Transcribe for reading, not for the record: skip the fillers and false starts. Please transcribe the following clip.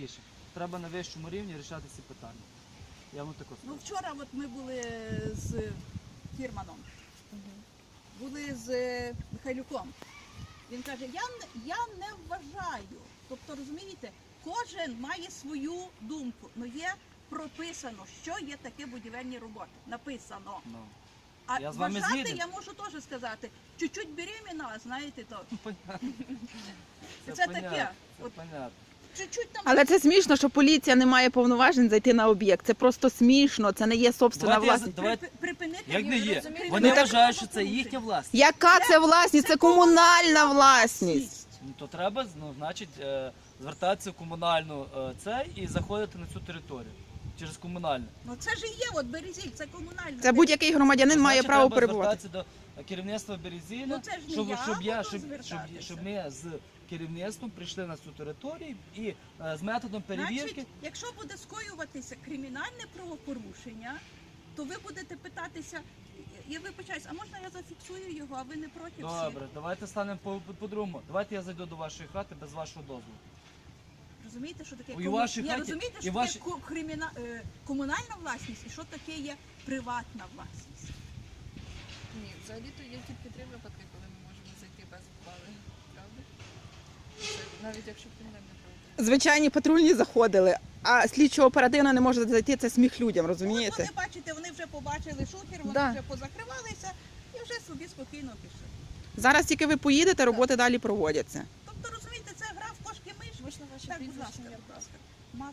рішень. Треба на вищому рівні рішати ці питання. Я вам тако скажу. Ну вчора от ми були з Фірманом, були з Михайлюком. Він каже, я не вважаю. Тобто, розумієте, кожен має свою думку. Ну є прописано, що є таке будівельні роботи. Написано. Ну. А Я з вами вважати згідний. я можу теж сказати. Чуть-чуть беременна, знаєте, то Понятно. це понятно, таке. Це От понятно. чуть-чуть там. Але це смішно, що поліція не має повноважень зайти на об'єкт. Це просто смішно, це не є собственна Давайте я власність. давайте- Припинити. Як не є? розумієте, Вони Ну, так- вважають, що це їхня власність. Яка це власність? Це комунальна власність. Ну, то треба, ну, значить, звертатися в комунальну це і заходити на цю територію через комунальне. Ну це ж і є, от Березіль, це комунальне. Це будь-який громадянин має Значить, право треба перебувати. звертатися до керівництва Березіля, Ну, це ж не щоб, я щоб, буду щоб звертатися. ми з керівництвом прийшли на цю територію і з методом перевірки. Значить, якщо буде скоюватися кримінальне правопорушення, то ви будете питатися, я вибачаюсь, а можна я зафіксую його, а ви не проти всіх? Добре, давайте станемо по-другому. Давайте я зайду до вашої хати без вашого дозволу. Розумієте, що таке У вашій Ні, хаті- розумієте, і що ваші- таке комунальна власність і що таке є приватна власність? Ні, взагалі-то є тільки три випадки, коли ми можемо зайти без ухвали. Правда? Це навіть якщо кримінальне правопорушення. Звичайні патрульні заходили, а слідчо-оперативно не може зайти, це сміх людям, От розумієте? вони, бачите, вони вже побачили шухер, вони Да. вже позакривалися і вже собі спокійно пішли. Зараз тільки ви поїдете, роботи далі проводяться. Тобто, розумієте, це гра в кошки-миш. Можна ваші Так, будь прізвища, ласка, ім'я, будь ласка.